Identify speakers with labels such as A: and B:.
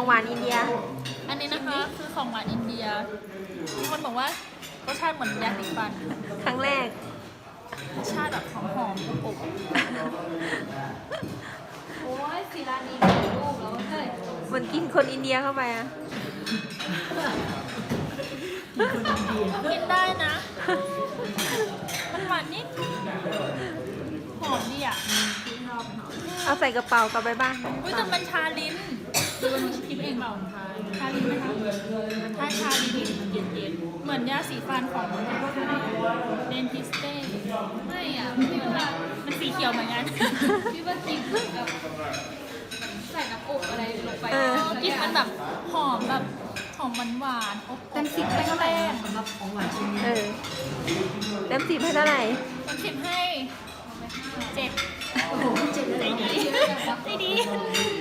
A: ของหวานอินเดีย
B: อันนี้นะคะคือของหวานอินเดียมีคนบอกว่ารสชาติเหมือนยาสีฟัน
A: ครั้งแรก
B: รสชาติแบบหอมๆอบ
C: โอ้ยศิลานีมีลูกแล้วเฮ้ย
A: เหมือนกินคนอินเดียเข้าไปอะ
B: กินได้นะ มันหวานนิดหอมดีอ่ะ
A: เอาใส่กระเป๋ากลับไปบ้าน
B: อุ้ยแต่มันชาลิ้นดูมันคิดเองเปล่าชาลิ้นไหมคะถ้าชาลิ้นเย็นๆเหมือนยาสีฟันของเดนทิสเต้
C: ไม่อ่ะพี่ว่า
B: มันสีเขียวเหมือนกัน
C: พี่ว่ากินแบบใส่น้ำอบอะไรลงไป
B: กลินมันแบบหอมแบบหอมหวานๆอบ
C: เต็ม10ให้เท่าไหร่สำหรับของหวานชิ้นนี้
A: เต็ม10ให้เท่าไหร่
B: เต็ม10ให้7
C: โอ้โหเจ็บเลย
B: ใจดีใจดี